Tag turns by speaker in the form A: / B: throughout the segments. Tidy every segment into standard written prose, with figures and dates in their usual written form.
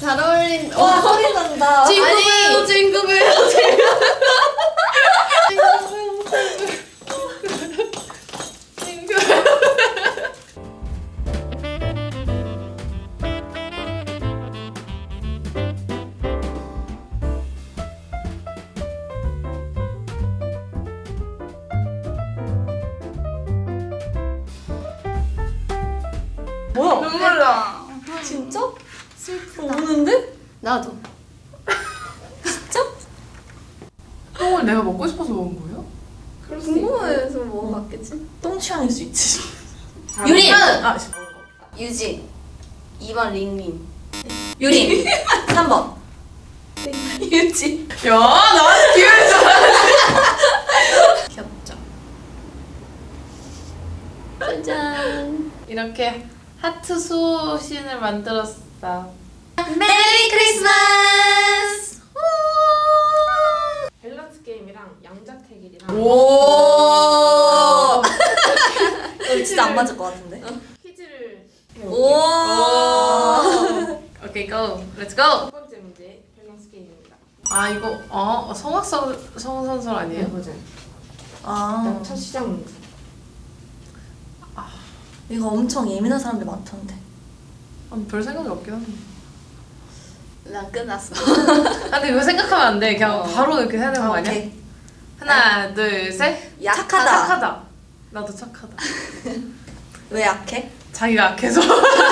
A: 잘 어울린.
B: 와 소리 난다.
A: 친구예요, 친구예요.
B: 뭐야?
C: 눈물 나.
B: 진짜?
A: 슬프다.
B: 우는데?
A: 나도.
B: 진짜?
C: 똥을 내가 먹고 싶어서 먹은 거예요?
A: 궁금해서 먹어봤겠지?
B: 똥 취향일 수 있지.
A: 유린!
C: 아, 씨, 먹은 거.
A: 유진. 2번 링링.
B: 유린. 3번. 유지.
C: 야, 나한테 기회를 줘.
A: 귀엽죠? 짜잔.
C: 이렇게 하트 수신을 만들었어.
A: 메리 크리스마스!
D: 밸런스 게임이랑 양자택일이랑
C: 오.
B: 이거 진짜 안 맞을 것 같은데.
D: 퀴즈를
B: 오.
C: 오케이, 고. 렛츠 고.
D: 첫 번째 문제 밸런스 게임입니다.
C: 아, 이거 성악선설 아니에요?
D: 맞아요.
B: 아
D: 일단 첫 시작 문제.
B: 이거 엄청 예민한 사람들 많던데.
C: 별 생각이 없긴 한데.
A: 난 끝났어.
C: 아, 근데 이거 생각하면 안 돼. 그냥 바로 이렇게 해야 되는 거 아니야?
B: 오케이.
C: 하나, 둘, 셋.
B: 착하다.
C: 착하다. 나도 착하다.
B: 왜 약해?
C: 자기가 악해서.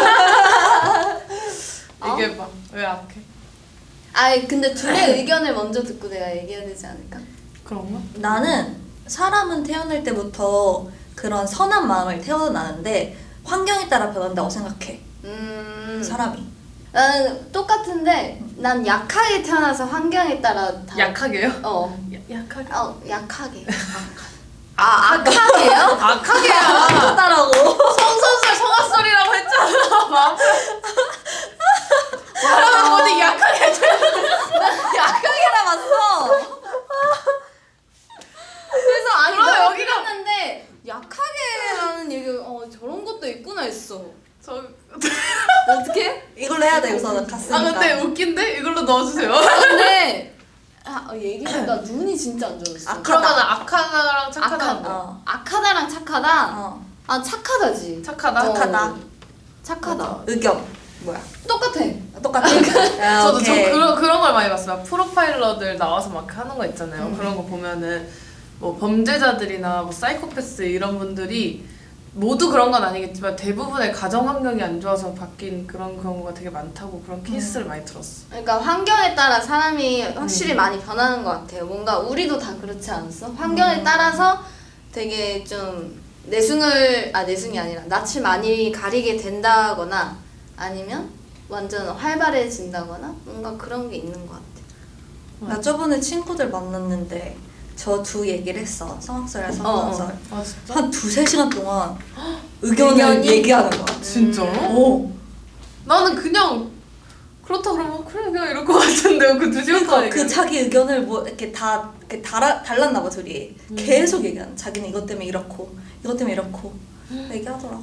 C: 얘기해봐. 왜 악해?
A: 아니 근데 둘의 의견을 먼저 듣고 내가 얘기해야 되지 않을까?
C: 그런가?
B: 나는 사람은 태어날 때부터 그런 선한 마음을 태어나는데 환경에 따라 변한다고 생각해. 사람이.
A: 나는 똑같은데 난 약하게 태어나서 환경에 따라 다.
C: 약하게요? 약하게.
A: 약하게. 악하게요?
C: 악하게야.
B: 똑같다라고.
C: 성선설 성악설이라고 했잖아. 사람은 어디 약하게
A: 약하게 남았어. 그래서 아니
C: 그럼
A: 내가
C: 여기가-
A: 들었는데 약하게라는 얘기 저런 것도 있구나 했어.
C: 저...
A: 어떻게?
B: 이걸로 해야 돼 우선 갔으니까.
C: 아 근데 웃긴데? 이걸로 넣어주세요.
A: 근데 얘기보다 눈이 진짜 안 좋았어.
C: 그러면 악하다랑 착하다는 거.
B: 어.
A: 악하다랑 착하다.
B: 어.
A: 착하다지.
C: 착하다?
B: 착하다.
A: 착하다.
C: 맞아.
B: 의견 뭐야?
A: 똑같아.
B: 똑같아. 야,
C: 저도
B: 오케이.
C: 그런 걸 많이 봤어요. 막 프로파일러들 나와서 막 하는 거 있잖아요. 그런 거 보면은 뭐 범죄자들이나 뭐 사이코패스 이런 분들이 모두 그런 건 아니겠지만 대부분의 가정 환경이 안 좋아서 바뀐 그런 경우가 되게 많다고 그런 케이스를 많이 들었어.
A: 그러니까 환경에 따라 사람이 확실히 많이 변하는 것 같아요. 뭔가 우리도 다 그렇지 않았어? 환경에 따라서 되게 좀 내숭이 아니라 낯을 많이 가리게 된다거나 아니면 완전 활발해진다거나 뭔가 그런 게 있는 것 같아.
B: 나 저번에 친구들 만났는데 저 두 얘기를 했어. 성악설이랑 성악설.
C: 아 진짜?
B: 한 2-3시간 동안 의견을
A: 의견이?
B: 얘기하는 거야.
C: 진짜로?
B: 오.
C: 나는 그냥 그렇다 그러면 그래 그냥 이럴 것 같은데 그 2시간
B: 그러니까
C: 동안
B: 그 자기 의견을 뭐 이렇게 다 이렇게 달랐나 봐 둘이. 계속 얘기하는. 자기는 이것 때문에 이렇고 이것 때문에 이렇고 얘기하더라고.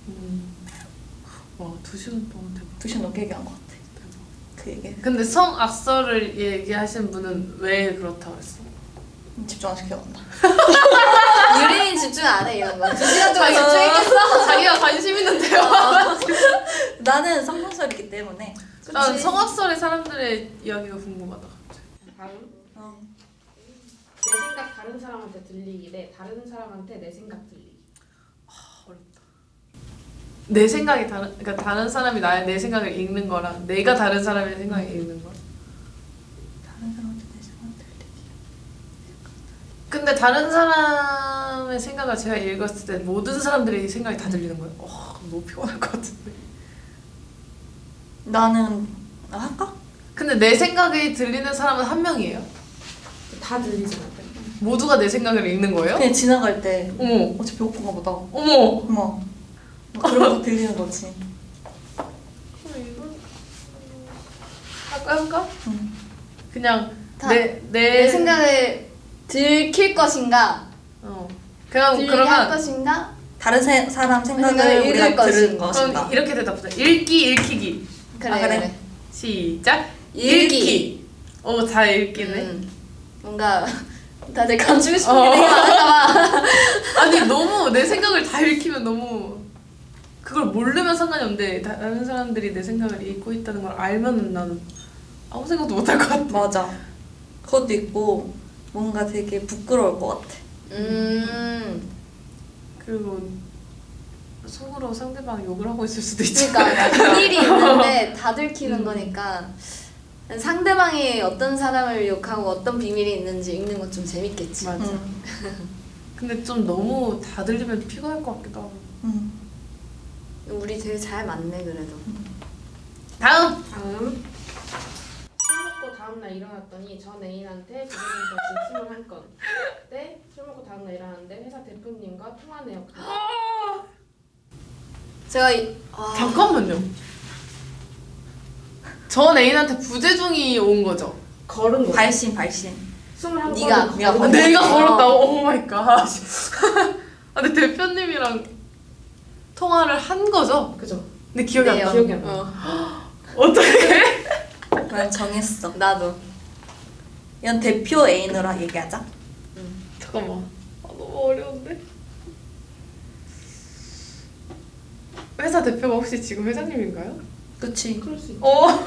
C: 와 2시간 동안 대박.
B: 2시간 넘게 얘기한 것 같아. 그 얘기.
C: 근데 성악설을 얘기하신 분은 왜 그렇다고 했어?
B: 집중 안 시켜간다.
A: 유린이 집중 안 해 이런 거. 2시간 동안 집중했겠어?
C: 자기가 관심 있는 대화.
B: 나는 성악설이기 때문에.
C: 난 성악설의 사람들의 이야기가 궁금하다 갑자기.
D: 다음
B: 어.
D: 내 생각 다른 사람한테 들리기 대 다른 사람한테 내 생각 들리기.
C: 어렵다. 내 생각이 그러니까 다른 사람이 내 생각을 읽는 거랑 내가 다른 사람의 생각을 읽는 거.
B: 다른 사람한테 내 생각 들리기.
C: 근데 다른 사람의 생각을 제가 읽었을 때 모든 사람들의 생각이 다 들리는 거예요. 너무 피곤할 것 같은데.
B: 나는 할까?
C: 근데 내 생각이 들리는 사람은 한 명이에요.
D: 다 들리잖아.
C: 모두가 내 생각을 읽는 거예요?
B: 그냥 지나갈 때
C: 어머,
B: 어차피 배고픈가 보다.
C: 어머.
B: 어머. 그런 거 들리는 거지.
C: 그럼 이건 할까?
B: 응.
C: 그냥
A: 다
C: 내
A: 생각을 들킬 것인가?
C: 그냥
A: 들리게 할
C: 그러면
A: 것인가?
B: 다른 사람 생각을
A: 생각을
B: 우리가
A: 읽을
B: 들은
A: 것인가.
B: 것인가.
C: 그럼 이렇게 대답하자. 읽기 읽히기.
A: 그래
B: 아, 그래?
A: 그래.
C: 시작.
A: 읽기.
C: 잘 읽기네.
A: 뭔가 다들 감추고 싶은
C: 어.
A: 게 되게 많을까봐.
C: 아니 너무 내 생각을 다 읽히면 너무 그걸 모르면 상관이 없는데 다른 사람들이 내 생각을 읽고 있다는 걸 알면은 나는 아무 생각도 못 할 것 같아.
B: 맞아. 그것도 있고 뭔가 되게 부끄러울 것 같아.
C: 그리고 속으로 상대방 욕을 하고 있을 수도 있잖아.
A: 그러니까 비밀이 있는데 다 들키는 거니까 상대방이 어떤 사람을 욕하고 어떤 비밀이 있는지 읽는 건 좀 재밌겠지.
C: 맞아.
B: 음.
C: 근데 좀 너무 다 들리면 피곤할 것 같기도 하고.
A: 우리 되게 잘 맞네 그래도.
C: 다음.
D: 다음. 술 먹고 다음날 일어났더니 전 애인한테 부모님과 진 21건. 때 술 먹고 다음날 일어났는데 회사 대표님과 통화네요.
A: 제가
C: 잠깐만요. 전 애인한테 부재중이 온 거죠.
D: 걸은 거.
B: 발신.
D: 21건.
A: 네가
B: 걸었어.
C: 내가 걸었다고? 오 마이 갓. 근데 대표님이랑 통화를 한 거죠?
D: 그죠.
C: 근데 기억이 안
A: 네,
C: 나.
D: 기억이 안 나.
C: 어떻게?
B: 난 정했어.
A: 나도.
B: 이건 대표 애인으로 얘기하자.
C: 잠깐만. 너무 어려운데? 회사 대표가 혹시 지금 회장님인가요?
B: 그치.
D: 그럴 수 있지.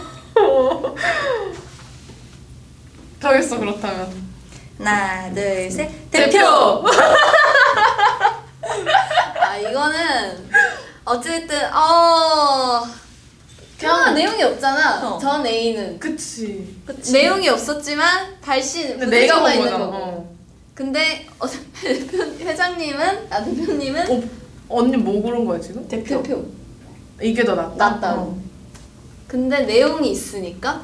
C: 정했어 그렇다면.
B: 하나, 둘, 셋.
C: 대표!
A: 이거는 어쨌든 그냥 내용이 없잖아.
B: 어.
A: 전 애인은
C: 그치.
A: 내용이 없었지만 발신
C: 근데 내가 본
A: 있는
C: 거잖아.
A: 거고. 근데 대표님은
C: 언니 뭐 고른 거야 지금?
A: 대표
C: 이게 더 낫다?
A: 낫다고. 근데 내용이 있으니까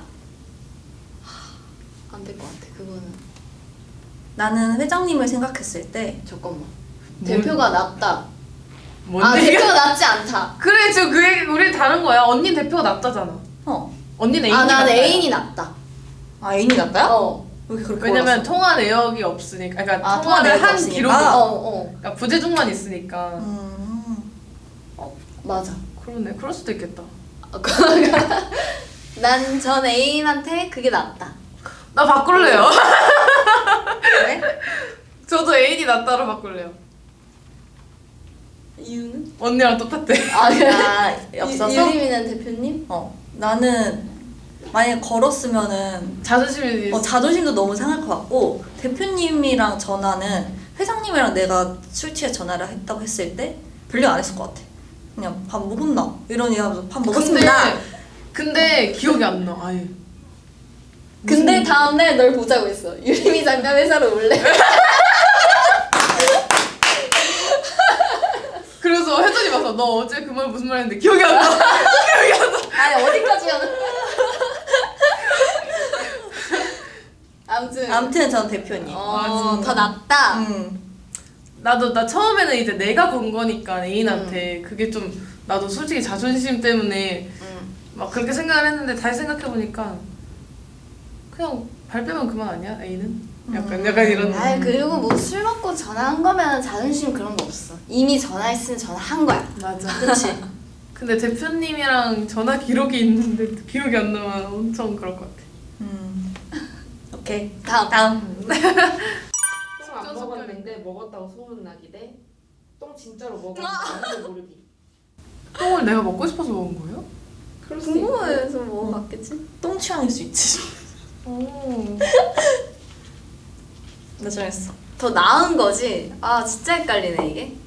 A: 안 될 것 같아. 그거는
B: 나는 회장님을 생각했을 때
A: 잠깐만.
C: 뭘-
A: 대표가 낫다.
C: 뭔데?
A: 대표가 낫지 않다.
C: 그래 지금 그 얘기 우리 다른 거야. 언니 대표가 낫다잖아. 언니는 애인이
A: 난
C: 낫다.
A: 애인이 낫다.
B: 애인이 낫다요?
A: 어.
B: 왜 그렇게
C: 왜냐면
B: 골랐어?
C: 통화 내역이 없으니까. 그러니까
B: 아, 통화
C: 통화를
B: 내역이
C: 한
B: 없으니까?
C: 기록이
A: 어.
C: 그러니까 부재중만 있으니까.
A: 맞아.
C: 그러네. 그럴 수도 있겠다.
A: 난 전 애인한테 그게 낫다.
C: 나 바꿀래요.
B: 그래?
C: 저도 애인이 낫다로 바꿀래요.
A: 이유는?
C: 언니랑 똑같대.
B: 없어서?
A: 유림이는 대표님?
B: 나는 만약에 걸었으면은
C: 자존심이
B: 자존심도 너무 상할 것 같고 대표님이랑 전화는 회장님이랑 내가 술 취해 전화를 했다고 했을 때 별로 안 했을 것 같아. 그냥 밥 먹었나? 이런 얘기 하면서 밥 먹었습니다.
C: 근데 기억이 안 나. 아예.
A: 근데 다음날 널 보자고 했어. 유림이 잠깐 회사로 올래?
C: 그래서 혜선이 와서 너 어제 그 말 무슨 말 했는데 기억이 안 나.
A: 아니 어디까지 가는
B: 아무튼 전 대표님.
A: 더 낫다.
C: 나 처음에는 이제 내가 건 거니까 애인한테 그게 좀 나도 솔직히 자존심 때문에 막 그렇게 생각을 했는데 다시 생각해 보니까 그냥 발 빼면 그만 아니야 애인은? 약간 이런.
A: 아이 그리고 뭐 술 먹고 전화한 거면 자존심 그런 거 없어. 이미 전화했으면 전화한 거야.
C: 맞아.
B: 그치?
C: 근데 대표님이랑 전화 기록이 있는데 기록이 안 나면 엄청 그럴 것 같아.
B: 오케이.
A: 다음.
D: 똥 안 먹었는데 먹었다고 소문나기 대 똥 진짜로 먹었는데 아무도 모르기.
C: 똥을 내가 먹고 싶어서 먹은 거예요?
D: 그럴 수 있고.
A: 궁금해서 뭐 봤겠지?
B: 똥 취향일 수 있지.
C: 오.
B: 나 정했어.
A: 더 나은 거지. 진짜 헷갈리네 이게.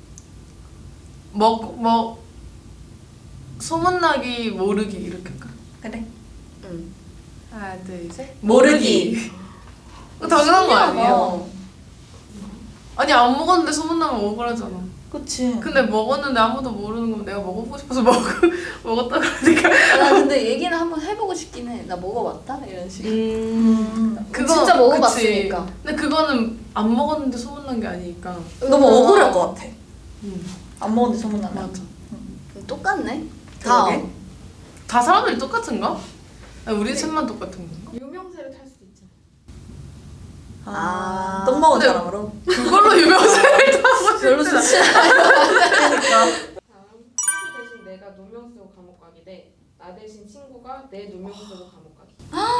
C: 소문나기 모르기 이렇게 할까?
B: 그래.
C: 하나 둘 셋.
B: 모르기.
C: 당연한 거 아니에요?
A: 어.
C: 아니 안 먹었는데 소문나면 억울하잖아.
B: 그치.
C: 근데 먹었는데 아무도 모르는 거면 내가 먹어보고 싶어서 먹었다 그러니까.
A: 나 근데 얘기는 한번 해보고 싶긴 해. 나 먹어봤다 이런 식. 진짜 먹어봤으니까.
C: 그치. 근데 그거는 안 먹었는데 소문난 게 아니니까.
B: 너무 억울할 것 같아.
C: 음.
B: 안 먹었는데 소문나면.
C: 맞아.
A: 똑같네.
B: 그러게.
C: 다 사람들이 똑같은가? 아니, 우리 셋만 똑같은 건가?
D: 유명세를 탈 수도 있잖아.
B: 똥 먹은
C: 근데-
B: 사람으로.
C: 그걸로 유명세를 타고
B: 별로
C: 싶지
B: 좋지 않아. 그러니까.
D: 다음 친구 대신 내가 누명 쓰고 감옥 가기 대 나 대신 친구가 친구가 내 누명 쓰고 감옥 가기.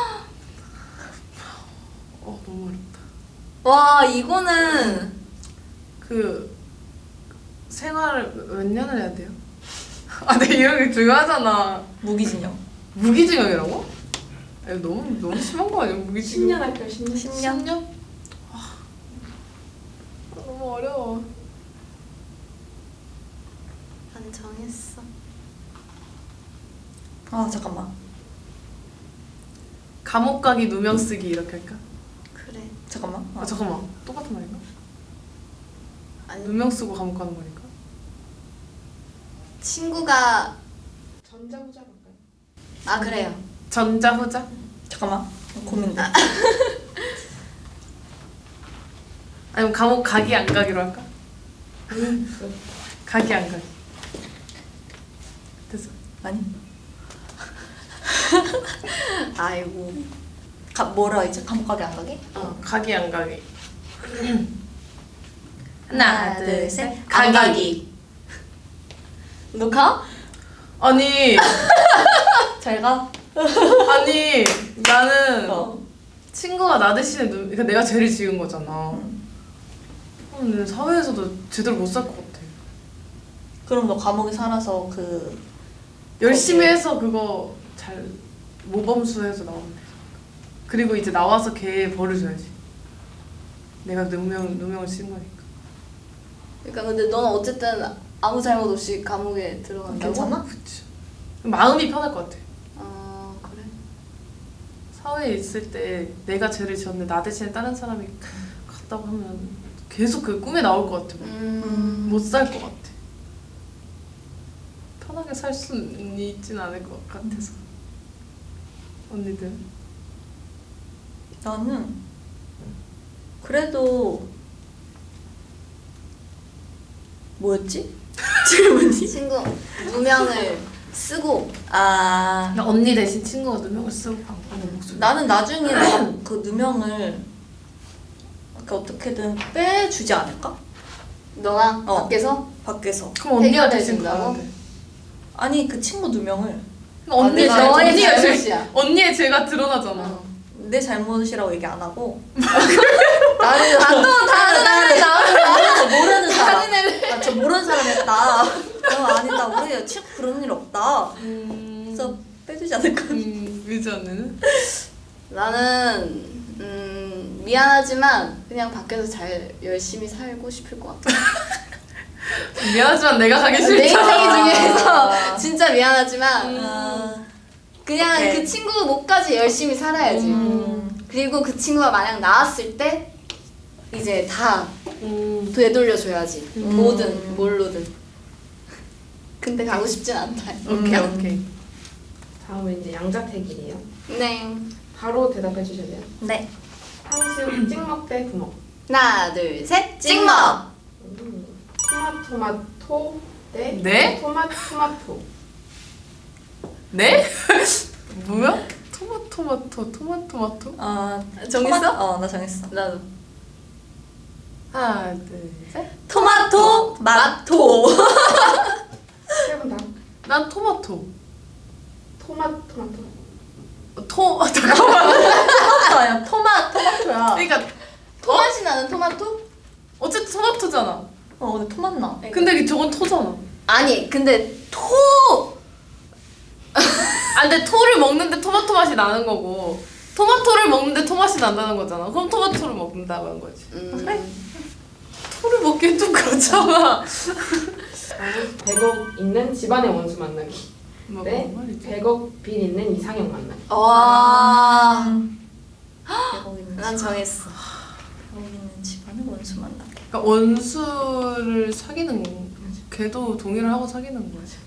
C: 너무 어렵다.
A: 와 이거는
C: 그 생활을 몇 년을 해야 돼요? 아, 근데 이런 게 중요하잖아.
B: 무기징역.
C: 무기징역이라고? 아, 이거 너무 심한 거 아니야? 무기징역.
D: 10년 할까요? 10년?
C: 10년? 너무 어려워.
A: 난 정했어.
B: 아 잠깐만.
C: 감옥 가기 누명 쓰기 이렇게 할까?
A: 그래.
B: 잠깐만.
C: 아 잠깐만, 똑같은 말인가?
A: 아니
C: 누명 쓰고 감옥 가는 거니까?
A: 친구가
D: 전자후자 할까요?
A: 아 그래요.
C: 전자후자?
B: 잠깐만. 고민돼.
C: 아니면 감옥 가기 안 가기로 할까? 가기 안 가기. 됐어.
B: 아니.
A: 아이고.
B: 뭐라 이제 감옥 가게 안 가게?
C: 가기 안 가기.
A: 하나 둘 셋. 안 가기. 너 가?
C: 아니
B: 잘 가.
C: 아니 나는
B: 어.
C: 친구가 나 대신에 그러니까 내가 죄를 지은 거잖아. 근데 사회에서도 제대로 못 살 것 같아.
B: 그럼 너 감옥에 살아서 그
C: 열심히
B: 거기에.
C: 해서 그거 잘 모범수해서 나오면 돼. 그리고 이제 나와서 걔 벌을 줘야지. 내가 누명을 친 거니까.
A: 그러니까 근데 너는 어쨌든 아무 잘못 없이 감옥에 들어간다고?
B: 괜찮아?
C: 그치. 마음이 편할 것 같아.
A: 아 그래.
C: 사회에 있을 때 내가 죄를 지었는데 나 대신에 다른 사람이 갔다고 하면 계속 그 꿈에 나올 것 같아. 못 살 것 같아. 편하게 살 수는 있진 않을 것 같아서. 언니들?
B: 나는 그래도 뭐였지? 질문이?
A: 친구 누명을 쓰고
B: 아
C: 그냥 언니 대신 친구가 누명을 쓰고 방금 목소리.
B: 나는 나중에 내가 그 누명을 그러니까 어떻게든 빼주지 않을까?
A: 너가
B: 어.
A: 밖에서
B: 밖에서.
C: 그럼 언니가
A: 해결해
C: 대신
A: 준다고?
C: 가면 돼.
B: 아니 그 친구 누명을
C: 그럼 언니의
B: 아,
C: 죄,
A: 너의
C: 언니의 죄,
A: 잘못이야.
C: 언니의 죄가 드러나잖아.
A: 어.
B: 내 잘못이라고 얘기 안 하고
A: 나는 또 다른 애를 나오는 거야.
B: 모르는 사람.
A: 다른 애를.
B: 아, 저 모르는 사람 했다. 아니다. 우리 친구 그런 일 없다. 그래서 빼주지 않을까?
C: 위지 언니는?
A: 나는 미안하지만 그냥 밖에서 잘 열심히 살고 싶을 것 같아.
C: 미안하지만 내가 가기 싫다.
A: 내 인생 중에서
B: 아.
A: 진짜 미안하지만
B: 아,
A: 그냥
B: 오케이.
A: 그 친구 목까지 열심히 살아야지. 그리고 그 친구가 만약 나왔을 때 이제 다 되돌려줘야지. 뭐든 뭘로든. 근데 가고 싶진 않다.
C: 오케이.
D: 다음은 이제 양자택일이에요.
A: 네.
D: 바로 대답해 주셔야 돼요.
B: 네.
D: 탕수육 찍먹 대 부먹.
A: 하나 둘 셋. 찍먹.
D: 토마토마토 대
C: 네?
D: 토마토마토.
C: 네? 뭐야? 토마토마토?
B: 아
A: 정했어?
B: 나 정했어.
A: 나도.
C: 하나 둘 셋.
B: 토마토 마토.
D: 세 분 다.
C: 난 토마토.
D: 토마토마토.
C: 잠깐만.
B: 토마토야. 토마토야.
C: 그러니까
A: 토맛이 나는 토마토?
C: 어쨌든 토마토잖아.
B: 근데 토맛 나.
C: 근데 저건 토잖아.
A: 아니 근데 토.
C: 아 근데 토를 먹는데 토마토 맛이 나는 거고 토마토를 먹는데 토맛이 난다는 거잖아. 그럼 토마토를 먹는다는 거지.
B: 그래?
C: 토를 먹기엔 좀 그렇잖아.
D: 100억 있는 집안의 원수 만나기. 네.
C: 뭔 말이지?
D: 100억 빚 있는 이상형 만나기.
A: 와.
B: 대박 있는
A: 난 정했어.
B: 대박 있는 집안의 원수 만나게.
C: 그러니까 원수를 사귀는 거. 걔도 동의를 하고 사귀는 거지.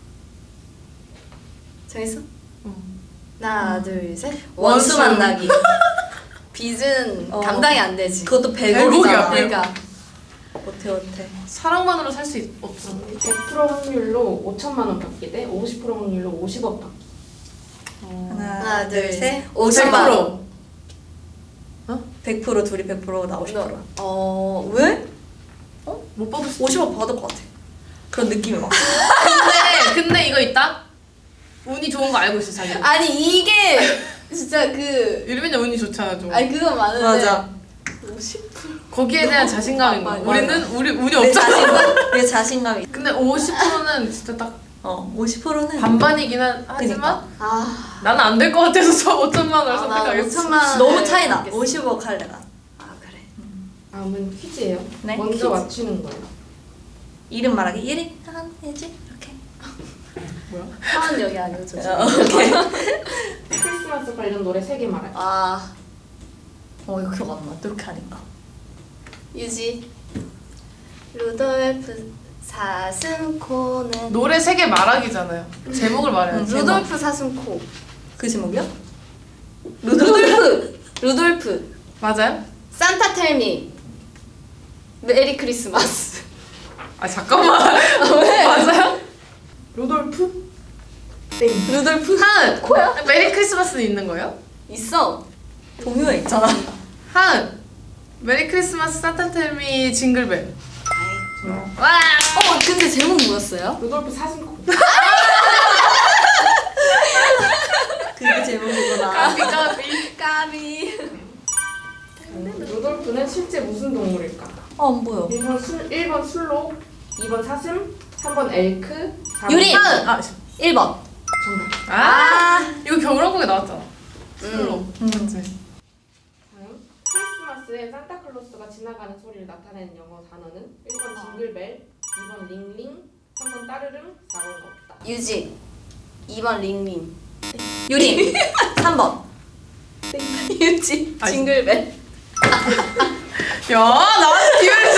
A: 정했어?
C: 응.
A: 하나 둘 셋.
C: 원수.
A: 원수 만나기. 빚은
B: 어.
A: 감당이 안 되지.
B: 그것도
C: 100억이야.
B: 100억이잖아.
A: 그러니까
B: 못해.
C: 사랑만으로 살 수 없어.
D: 100% 확률로 5천만 원 받기 대 50% 확률로 50억 받기.
A: 하나 둘 셋.
C: 50만
A: 50만.
C: 원.
B: 100% 둘이 100% 나 50%.
A: 왜?
C: 못 받을 수.
B: 50억 받을 것 같아. 그런 느낌이 막.
C: 근데 이거 있다. 운이 좋은 거 알고 있어 자기.
A: 아니 이게 진짜 그
C: 유리민이 운이 좋잖아 좀.
A: 아니 그건 많은데
B: 맞아.
A: 50%?
C: 거기에 대한 자신감인 거야.
B: 맞아.
C: 우리는 우리 운이
B: 내
C: 없잖아.
B: 자신감, 내 자신감이.
C: 근데 50%는 진짜 딱
B: 50%는
C: 반반이긴 하지만
B: 그니까.
A: 아,
C: 나는 안 될 것 같아서 저 5천만 원을
A: 나
C: 선택하겠어.
A: 5천만 원
B: 너무 차이나. 50억 할래 나.
A: 아 그래.
D: 다음은 퀴즈예요.
B: 네,
D: 먼저
B: 퀴즈.
D: 맞추는 거예요.
B: 이름 말하기 1위 하나지 이렇게.
C: 뭐야?
A: 하은 여기 아니고 저.
B: 오케이.
D: 크리스마스 관련 노래 3개 말할게요.
A: 아
B: 이거 기억 안 나. 이렇게 하니까.
A: 유지. 루돌프 사슴코는
C: 노래 3개 말하기잖아요. 제목을 말해야지.
A: 루돌프 사슴코.
B: 그 제목이야?
A: 루돌프.
C: 맞아요?
A: 산타 텔미. 메리 크리스마스.
C: 아 잠깐만.
A: 왜?
C: 맞아요?
D: 루돌프?
A: 루돌프
C: 하은.
A: 코야?
C: 메리 크리스마스는 있는 거예요?
A: 있어.
B: 동요에 있잖아.
C: 하은. 메리 크리스마스 산타텔미 징글벨. 와.
A: 근데 제목 뭐였어요?
D: 루돌프 사슴코.
B: 그게 제목이구나.
C: 까비 까비.
A: 까비.
D: 루돌프는 실제 무슨 동물일까?
B: 안 보여.
D: 1번 술록, 2번 사슴, 3번 엘크, 4번
B: 유리!
C: 하은. 아,
B: 1번.
D: 정답.
C: 이거 겨울왕국에 나왔잖아. 술로. 맞지?
D: 다음 크리스마스에 산타클로스가 지나가는 소리를 나타내는 영어 단어는 1번 징글벨, 2번 링링, 3번 따르릉, 4번 없다.
A: 유지. 2번 링링.
B: 유리. 3번.
A: 유지.
C: 아니.
A: 징글벨.
C: 야 나한테 기회를 줘.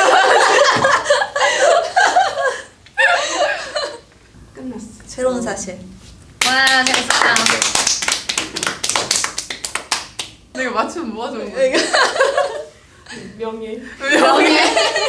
D: 끝났어.
B: 새로운 사실.
C: 와 재밌었다. 내가 맞추면 뭐가 좋은 거야?
D: 명예.
C: 명예.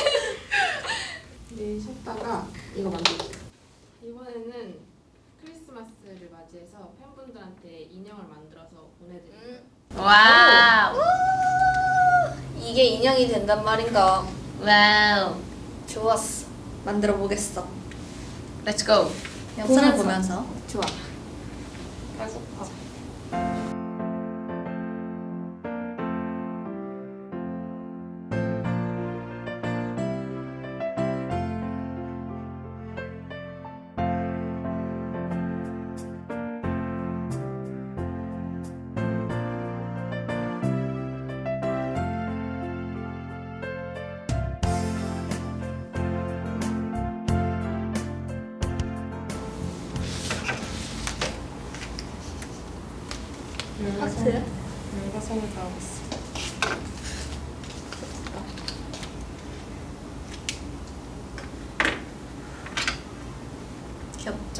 D: 네, 쉬었다가 이거 만들게요. 이번에는 크리스마스를 맞이해서 팬분들한테 인형을 만들어서 보내드릴게요.
C: 와우.
A: 이게 인형이 된단 말인가?
C: 와우.
A: 좋았어.
B: 만들어 보겠어.
C: Let's go.
B: 영상을
A: 보면서.
B: 보면서.
A: 좋아.
B: 하트야?
C: 내가 손을 다 하고 있어.
B: 귀엽죠?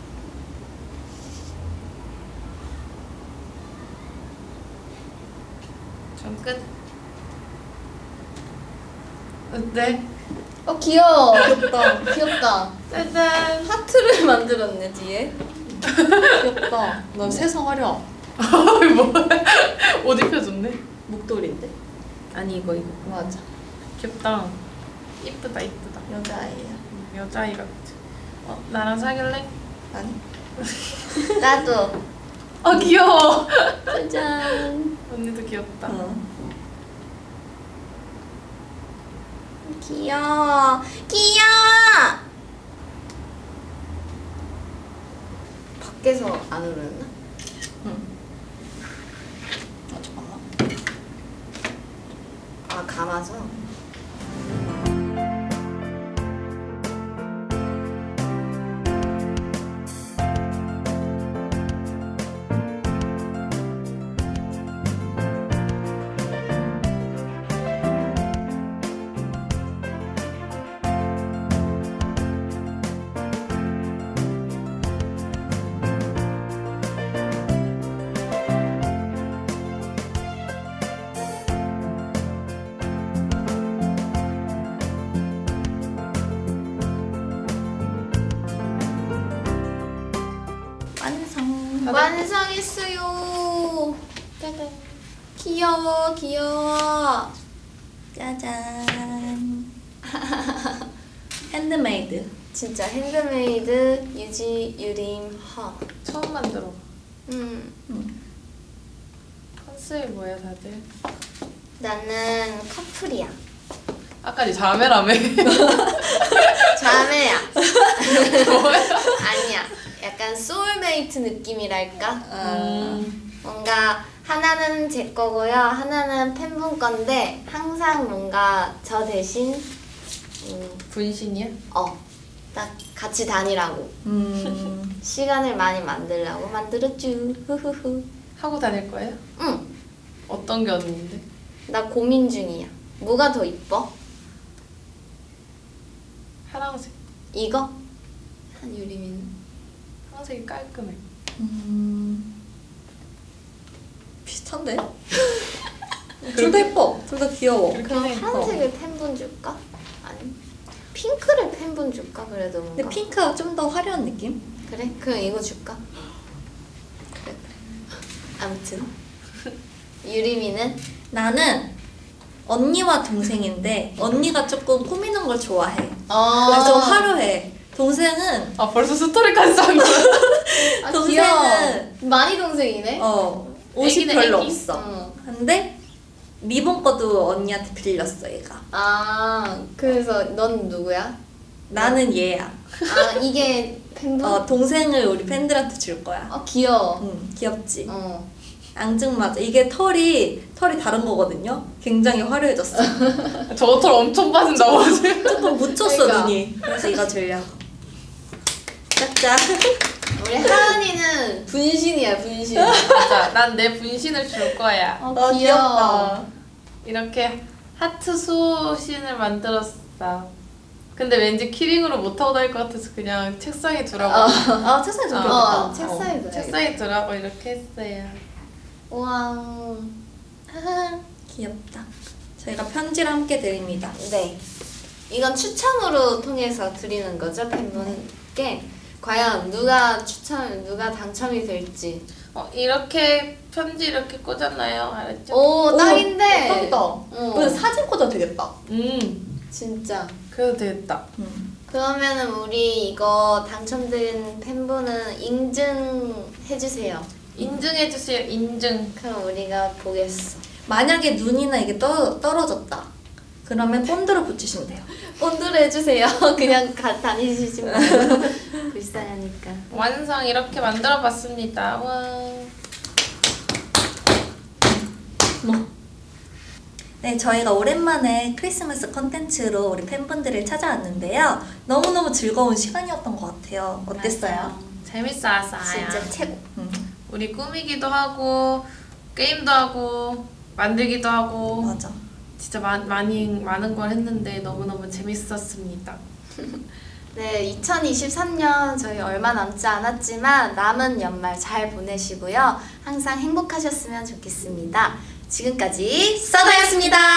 C: 전 끝. 어때?
A: 귀여워. 귀엽다. 귀엽다.
C: 짜잔.
A: 하트를 만들었네 뒤에.
B: 귀엽다. 너 세상 화려.
C: 뭐? 옷 입혀줬네.
B: 목도리인데?
C: 아니 이거.
A: 맞아.
C: 귀엽다. 이쁘다 이쁘다.
B: 여자아이야.
C: 여자아이 같아. 나랑 사귈래?
B: 아니?
A: 나도.
C: 귀여워.
A: 짜잔.
C: 언니도 귀엽다.
A: 귀여워. 귀여워. 밖에서 안 울었나?
B: 잠깐만.
A: 아 감아서.
B: 완성.
A: 완성했어요. 짜잔. 귀여워 귀여워.
B: 짜잔. 핸드메이드.
A: 진짜 핸드메이드 유림 허.
C: 처음 만들어.
A: 음,
C: 컨셉이 뭐야 다들?
A: 나는 커플이야.
C: 아까 니 자매라며.
A: 자매야.
C: 뭐야?
A: 아니야. 약간 소울메이트 느낌이랄까? 뭔가 하나는 제 거고요. 하나는 팬분 건데 항상 뭔가 저 대신
C: 분신이야?
A: 딱 같이 다니라고. 시간을 많이 만들라고 만들었쥬. 후후후.
C: 하고 다닐 거예요?
A: 응.
C: 어떤 게 언니인데?
A: 나 고민 중이야. 뭐가 더 이뻐?
C: 파랑색.
A: 이거? 한유림이는?
C: 파랑색이 깔끔해.
B: 비슷한데? 둘 다 예뻐. 둘 다 귀여워.
A: 그럼
C: 해.
A: 파란색을 팬분 줄까? 아니 핑크를 팬분 줄까? 그래도 뭔가
B: 근데 핑크가 좀 더 화려한 느낌?
A: 그래? 그럼 이거 줄까? 그래. 아무튼 유림이는?
B: 나는 언니와 동생인데 언니가 조금 꾸미는 걸 좋아해.
A: 어.
B: 그래서 좀 화려해. 동생은
C: 아 벌써 스토리까지 짠 거야?
A: 아,
B: 동생은-
A: 귀여워. 많이 동생이네?
B: 옷이
C: 애기네,
B: 별로
C: 애기.
B: 없어. 근데 리본 거도 언니한테 빌렸어 얘가.
A: 아 그래서 넌 누구야?
B: 나는 얘야.
A: 아 이게 팬분?
B: 동생을 우리 팬들한테 줄 거야.
A: 귀여워.
B: 응, 귀엽지.
A: 어.
B: 앙증맞아. 이게 털이 다른 거거든요. 굉장히 화려해졌어.
C: 저 털 엄청 빠진다고 하지?
B: 조금 묻혔어
A: 그러니까.
B: 눈이. 그래서 이거 주려고. 짝짝.
A: 우리 하은이는 분신이야 분신.
C: 맞아. 난 내 분신을 줄 거야.
A: 귀여워.
B: 귀엽다.
C: 이렇게 하트 수신을 만들었어. 근데 왠지 키링으로 못하고 다닐 것 같아서 그냥 책상에 두라고.
B: 책상에 좀
A: 어,
B: 귀엽다.
A: 책상에 둬야겠다.
C: 책상에 두라고 이렇게 했어요.
A: 우와.
B: 귀엽다. 저희가 편지를 함께 드립니다.
A: 네. 이건 추첨으로 통해서 드리는 거죠 팬분께. 과연 누가 당첨이 될지.
C: 이렇게 편지 이렇게 꽂았나요? 알았죠?
A: 오 딱인데.
B: 예쁘다.
A: 어.
B: 근데 사진 꽂아도 되겠다.
A: 진짜.
C: 그래도 되겠다.
A: 그러면은 우리 이거 당첨된 팬분은 인증해주세요.
C: 인증해주세요. 인증.
A: 그럼 우리가 보겠어.
B: 만약에 눈이나 이게 떨어졌다. 그러면 본드로 붙이시면 돼요.
A: 본드로 해주세요. 그냥 다니시지 말고. 불쌍하니까.
C: 완성 이렇게 만들어봤습니다. 와.
B: 네, 저희가 오랜만에 크리스마스 컨텐츠로 우리 팬분들을 찾아왔는데요. 너무너무 즐거운 시간이었던 것 같아요. 어땠어요?
A: 맞아요.
C: 재밌었어요.
A: 진짜 최고.
C: 우리 꾸미기도 하고 게임도 하고 만들기도 하고
B: 맞아.
C: 진짜 많은 걸 했는데 너무너무 재밌었습니다.
A: 네, 2023년 저희 얼마 남지 않았지만 남은 연말 잘 보내시고요. 항상 행복하셨으면 좋겠습니다. 지금까지 써다였습니다.